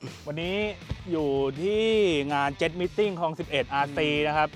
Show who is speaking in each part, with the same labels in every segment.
Speaker 1: วันนี้อยู่ที่งาน Jet Meeting คลอง 11 RC นะครับ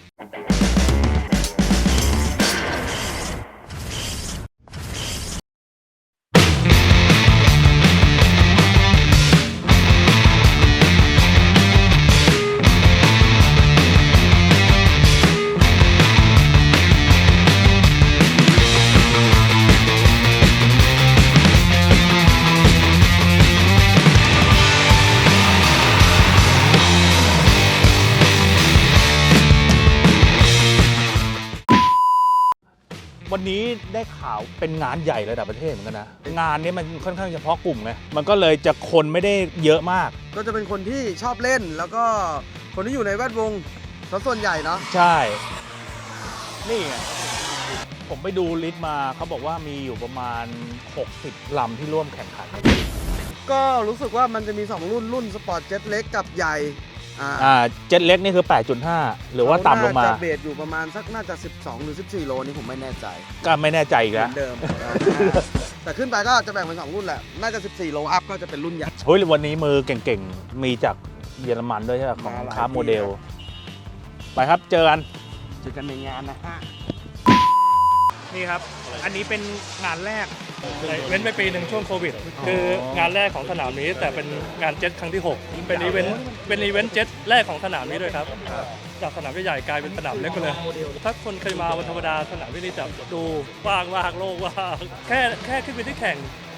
Speaker 1: วันนี้ได้ข่าวเป็นงานใหญ่ระดับประเทศเหมือนกันนะงานนี้มันค่อนข้างเฉพาะกลุ่มไงมันก็เลยจะคนไม่ได้เยอะมาก
Speaker 2: ก็จะเป็นคนที่ชอบเล่นแล้วก็คนที่อยู่ในแวดวงส่วนใหญ่เนาะ
Speaker 1: ใช่นี่ไงผมไปดูลิสต์มาเขาบอกว่ามีอยู่ประมาณ60ลำที่ร่วมแข่งขัน
Speaker 2: ก็รู้สึกว่ามันจะมี2รุ่นสปอร์ตเจ็ตเล็กกับใหญ่
Speaker 1: เจ็ตเล็กนี่คือ 8.5 หรือว่าต่ำลงมา
Speaker 2: จะเบสอยู่ประมาณสักน่าจะ12หรือ14โลนี่ผมไม่แน่ใจ
Speaker 1: ก็ไม่แน่ใจอีกแล้ว
Speaker 2: เหมือนเดิม แต่ขึ้นไปก็จะแบ่งเป็น2รุ่นแหละน่าจะ14โลอัพก็จะเป็นรุ่นใหญ่
Speaker 1: เฮ้ยวันนี้มือเก่งๆมีจากเยอรมันด้วยใช่ไหมของคาร์โมเดลไปครับเจอกัน
Speaker 2: ในงานนะฮะ
Speaker 1: นี่ครับอันนี้เป็นงานแรก
Speaker 3: เว้นไปปีหนึ่งช่วงโควิดคืองานแรกของสนามนี้แต่เป็นงานเจ็ตครั้งที่6เป็นอีเวนต์เจ็ตแรกของสนามนี้ด้วยครับจากสนามใหญ่กลายเป็นสนามเล็กไปเลยถ้าคนเคยมาวันธรรมดาสนามนี้จะดูว่างโล่งว่างแค่ขึ้นไปที่แข่ง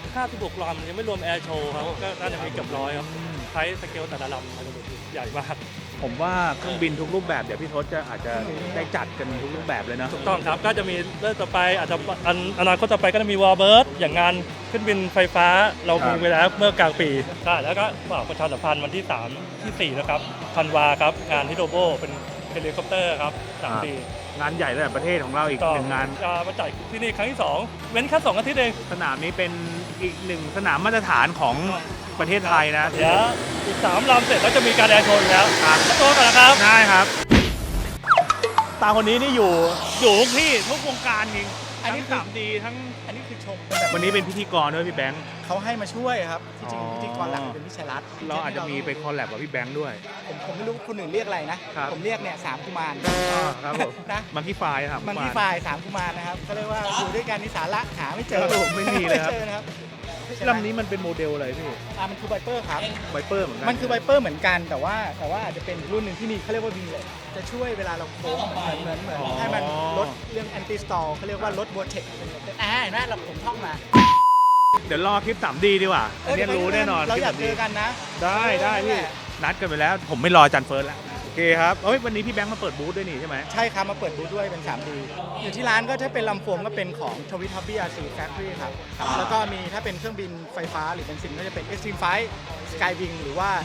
Speaker 3: 56ลำยังไม่รวมแอร์โชว์ครับก็น่าจะมีเกือบ100ครับใช้สเกลแต่ละลำใหญ่มาก
Speaker 1: ผมว่าเครื่องบินทุกรูปแบบเดี๋ยวพี่ทศอาจจะได้จัดกันทุกรูปแบบเลยนะ
Speaker 3: ถูกต้องครับก็จะมีเรื่องต่อไปอาจจะอนาคตต่อไปก็จะมีวอลเบิร์ดอย่างงานขึ้นบินไฟฟ้าเรามีไว้แล้วเมื่อกลางปีใช่แล้วก็ฝากประชาสัมพันธ์วันที่3ที่4นะครับธันวาครับงานฮิโรโบเป็นเฮลิคอปเตอร์ครับ3 ปี
Speaker 1: งานใหญ่ระดับประเทศของเราอีกหนึ่งงาน
Speaker 3: จะมาจัดที่นี่ครั้งที่2เว้นแค่2 อาทิตย์เอง
Speaker 1: สนามนี้เป็นอีก1สนามมาตรฐานของประเทศไทยนะ
Speaker 3: เดี๋ยวอีก3ลำเสร็จแล้วจะมีการแอร์โชว์แล้วครับตัวกันนะครับ
Speaker 1: ได้ครับตาคนนี้นี่อยู่ทุกที่ทุกวงการจริงอันนี้3D ทั้ง
Speaker 4: อันนี้คือชม
Speaker 1: วันนี้เป็นพิธีกรด้วยพี่แบงค์
Speaker 4: เขาให้มาช่วยครับจริงๆพิธีกรหลักเป็นพี่ชัยรัตน์
Speaker 1: เราอาจจะมีไปคอลแลบกับพี่แบงค์ด้วย
Speaker 4: ผมไม่รู้คนอื่นเรียกอะไรนะผมเรียกเนี่ย3กุมาร
Speaker 1: ครับผมนะมังคีไฟครับ
Speaker 4: มังคีไฟ3กุมารนะครับเขาเรียกว่าอยู่ด้วยกันนี่สาระหาไม่เจอ
Speaker 1: ไม่มีเลยครับลำนี้มันเป็นโมเดลอะไรพี่
Speaker 4: มันคือไวเปอร์ครับ
Speaker 1: ไวเปอร์เหมือนกัน
Speaker 4: มันคือไวเปอร์เหมือนกันแต่ว่าอาจจะเป็นรุ่นหนึ่งที่มีเขาเรียกว่าวิงเลตจะช่วยเวลาเราโค้งเหมือนให้มันลดเรื่องแอนตี้สตอลเขาเรียกว่าลดโวลเทจเห็นไหมผมท่องมา
Speaker 1: เดี๋ยวรอคลิป 3D ดีกว่าอันนี้รู้แน่นอน
Speaker 4: เราอยากเจอกันนะ
Speaker 1: ได้พี่นัดกันไปแล้วผมไม่รอจันเฟิร์สแล้วโอเคครับวันนี้พี่แบงค์มาเปิดบูธด้วยนี่ใช่ไหม
Speaker 4: ใช่ครับมาเปิดบูธด้วยเป็น 3D อยู่ที่ร้านก็ถ้าเป็นลำโฟมก็เป็นของ Twitty RC Factory ครับแล้วก็มีถ้าเป็นเครื่องบินไฟฟ้าหรือเป็นซิมก็จะเป็น Extreme Flight Skywing หรือว่า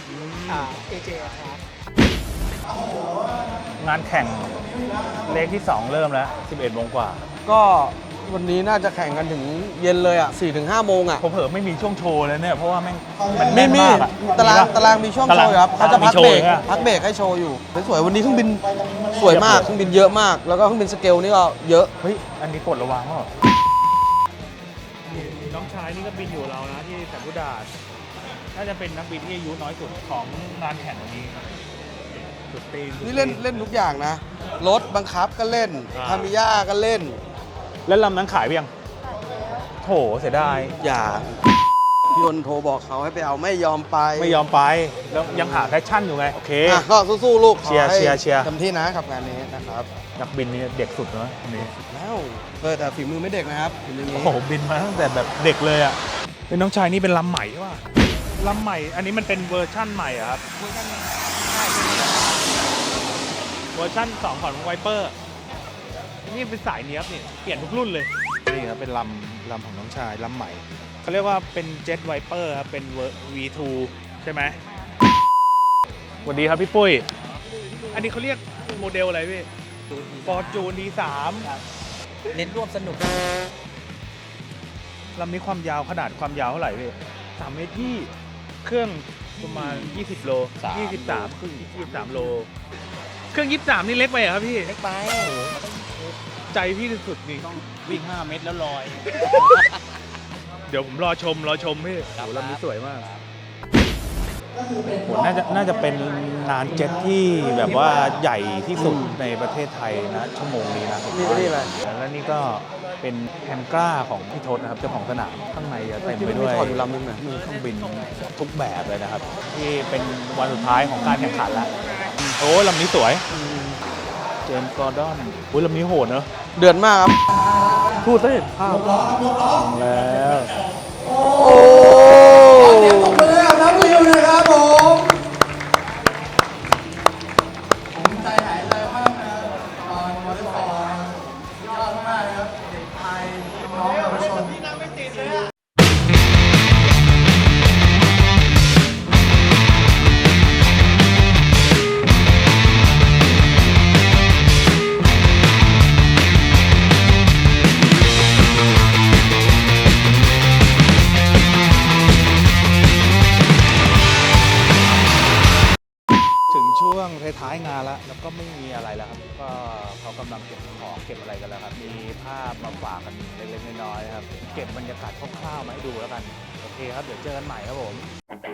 Speaker 4: AJ Aircraft
Speaker 1: งานแข่งเลขที่2เริ่มแล้ว 11 โมงกว่า
Speaker 2: ก็วันนี้น่าจะแข่งกันถึงเย็นเลยอ่ะ 4-5 โมงอ่ะ
Speaker 1: ผมเผลอไม่มีช่วงโชว์เลยเนี่ยเพราะว่ามัน
Speaker 2: แน่นมากตารางมีช่วงโชว์ครับเขาจะพักเบรกให้โชว์อยู่สวยวันนี้เครื่องบินสวยมากเครื่องบินเยอะมากแล้วก็เครื่องบินสเกลนี่ก็เยอะ
Speaker 1: เฮ้ยอันนี้กดระวังเหรอน้องชายนี่ก็บินอยู่เรานะที่แสนพุดาน่าจะเป็นนักบินที่อายุน้อยสุดของงานแข่งวันนี้สุดตีน
Speaker 2: นี่เล่นทุกอย่างนะรถบังคับก็เล่นทามิยาก็เล่น
Speaker 1: แล้วลำนั้นขายไปยังโถเสียดาย
Speaker 2: อย่าพี่ยนโทรบอกเขาให้ไปเอาไม่ยอมไป
Speaker 1: แล้วยังหาแพชชั่นอยู่ไงโอเค
Speaker 2: ก็สู้ๆลูก
Speaker 1: เชียร์
Speaker 2: เต็มที่นะกับงานนี้นะครับ
Speaker 1: นักบินนี่เด็กสุดนะนี่
Speaker 2: แล้วแต่ฝีมือไม่เด็กนะครับ
Speaker 1: โอ้โหบินมาตั้งแต่แบบเด็กเลยอ่ะเป็นน้องชายนี่เป็นลำใหม่ใช่ป่ะลำใหม่อันนี้มันเป็นเวอร์ชั่นใหม่อะครับเวอร์ชั่น2ของไวเปอร์นี่เป็นสายเนี้ยบนี่เปลี่ยนทุกรุ่นเลยนี่ครับเป็นลำของน้องชายลำใหม่เขาเรียกว่าเป็นเจ็ตไวเปอร์ครับเป็น V2 ใช่ไหมสวัสดีครับพี่ปุ้ยอันนี้เขาเรียกโมเดลอะไรพี่ฟอร์จูน D3
Speaker 4: เน้นร่วมสนุก
Speaker 1: ลำนี้ความยาวขนาดความยาวเท่าไหร่พี่3 เมตรที่เครื่องประมาณ20 โล23ครึ่ง23 โลเครื่อง23นี่เล็กไปเหรอครับพี่
Speaker 4: เล็กไป
Speaker 1: ใจพี่สุดนี่
Speaker 4: ต้องวิ่ง5 เมตรแล้วลอย
Speaker 1: เดี๋ยวผมรอชมพี่โหลำนี้สวยมากโหน่าจะเป็นลานเจ็ตที่แบบว่าใหญ่ที่สุดในประเทศไทยนะชั่วโมงนี้นะผม
Speaker 2: นี่
Speaker 1: ว่า
Speaker 2: อะไร
Speaker 1: แล้วนี่ก็เป็นแฮมกล้าของพี่ทศนะครับเจ้าของสนามข้างในจะเต็มไปด้วย
Speaker 2: ถอดอยู่ลำนึงนะ
Speaker 1: มีเครื่องบินทุกแบบเลยนะครับ ที่เป็นวันสุดท้ายของการแข่งขันแล้วโอ้ลำนี้สวยเจมส์กอร์ดอนอุ้ยลำนี้โหดเนอะ
Speaker 2: เดือดมากครับ
Speaker 1: พูดสิแล้ว
Speaker 2: โอ้เดี๋ยวตบมือให้กับนักวิวนะครับผมใจหายใจมากนะครับตอนวอลเลย์บอลยอดมากครับเด็กไทยน้องเยาวชน
Speaker 1: ถึงช่วงท้ายๆงานแล้วก็ไม่มีอะไรแล้วครับก็เขากำลังเก็บของเก็บอะไรกันแล้วครับมีภาพมาฝากกันเล็กๆน้อยๆครับเก็บบรรยากาศคร่าวๆมาให้ดูแล้วกันโอเคครับเดี๋ยวเจอกันใหม่ครับผม